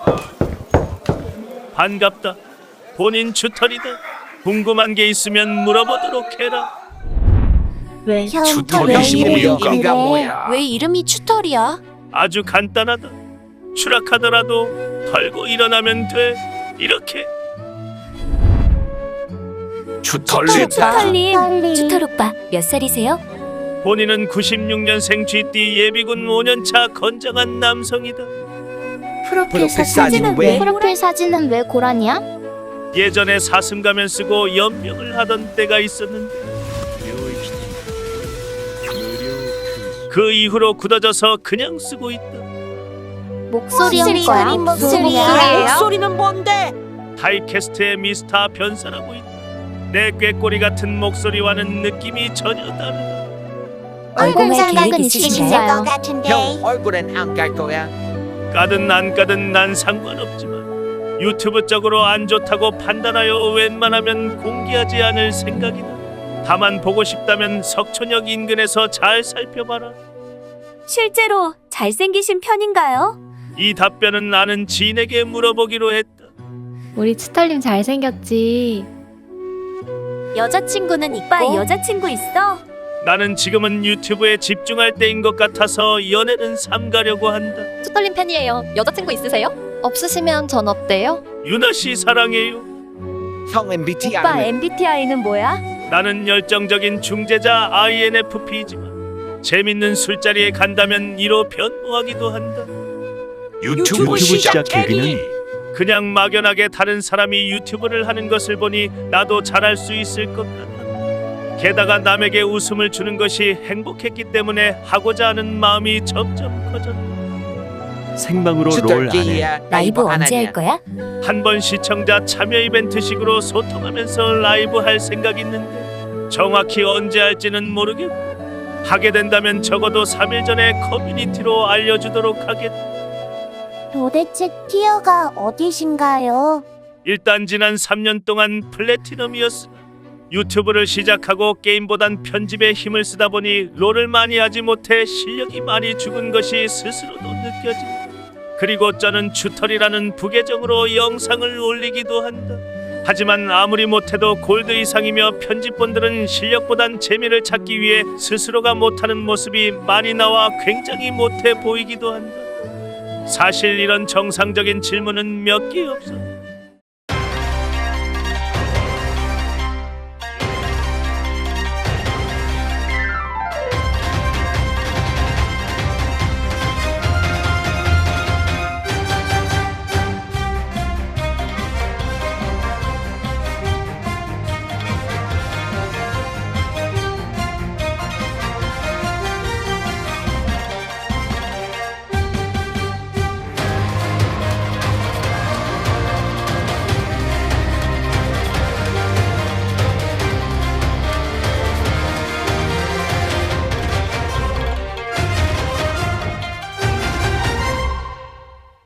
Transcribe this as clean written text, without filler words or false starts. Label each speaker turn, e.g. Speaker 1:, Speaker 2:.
Speaker 1: 반갑다. 본인 튜터리다. 궁금한 게 있으면 물어보도록 해라.
Speaker 2: 왜
Speaker 3: 튜터리
Speaker 2: 왜
Speaker 3: 이유가
Speaker 2: 이래?
Speaker 3: 뭐야?
Speaker 4: 왜 이름이 튜터리야?
Speaker 1: 아주 간단하다. 추락하더라도 털고 일어나면 돼. 이렇게.
Speaker 3: 튜터리
Speaker 2: 튜터님.
Speaker 4: 튜터 오빠 몇 살이세요?
Speaker 1: 본인은 96년생 GT 예비군 5년차 건장한 남성이다.
Speaker 2: 프로필 사진은 왜 고라니야?
Speaker 1: 예전에 사슴가면 쓰고 연명을 하던 때가 있었는데 그 이후로 굳어져서 그냥 쓰고 있다.
Speaker 2: 목소리 한 거야?
Speaker 5: 목소리는 뭔데?
Speaker 1: 타입캐스트의 미스터 변사라고 있다. 내 꾀꼬리 같은 목소리와는 느낌이 전혀 다르다.
Speaker 2: 얼굴
Speaker 4: 계획
Speaker 2: 생각은
Speaker 4: 있으신가요?
Speaker 2: 있으신가요?
Speaker 3: 형 얼굴엔 안 갈 거야.
Speaker 1: 까든 안 까든 난 상관없지만 유튜브 쪽으로 안 좋다고 판단하여 웬만하면 공개하지 않을 생각이다. 다만 보고 싶다면 석촌역 인근에서 잘 살펴봐라.
Speaker 4: 실제로 잘생기신 편인가요?
Speaker 1: 이 답변은 나는 지인에게 물어보기로 했다.
Speaker 6: 우리 치털님 잘생겼지.
Speaker 4: 여자친구는 있고? 오빠 여자친구 있어?
Speaker 1: 나는 지금은 유튜브에 집중할 때인 것 같아서 연애는 삼가려고 한다.
Speaker 4: 튜터님 팬이에요. 여자친구 있으세요? 없으시면 전 어때요?
Speaker 1: 유나 씨 사랑해요.
Speaker 3: 형 MBTI는
Speaker 4: MBTI는 뭐야?
Speaker 1: 나는 열정적인 중재자 INFP지만 재밌는 술자리에 간다면 이로 변모하기도 한다.
Speaker 3: 유튜브 시작 계기는
Speaker 1: 그냥 막연하게 다른 사람이 유튜브를 하는 것을 보니 나도 잘할 수 있을 것 같다. 게다가 남에게 웃음을 주는 것이 행복했기 때문에 하고자 하는 마음이 점점 커졌다.
Speaker 7: 생방으로 롤 안해.
Speaker 4: 라이브 언제 할 거야?
Speaker 1: 한 번 시청자 참여 이벤트식으로 소통하면서 라이브 할 생각 있는데 정확히 언제 할지는 모르겠고 하게 된다면 적어도 3일 전에 커뮤니티로 알려주도록 하겠다.
Speaker 2: 도대체 티어가 어디신가요?
Speaker 1: 일단 지난 3년 동안 플래티넘이었으나 유튜브를 시작하고 게임보단 편집에 힘을 쓰다 보니 롤을 많이 하지 못해 실력이 많이 죽은 것이 스스로도 느껴진다. 그리고 저는 튜터리라는 부계정으로 영상을 올리기도 한다. 하지만 아무리 못해도 골드 이상이며 편집본들은 실력보단 재미를 찾기 위해 스스로가 못하는 모습이 많이 나와 굉장히 못해 보이기도 한다. 사실 이런 정상적인 질문은 몇 개 없어.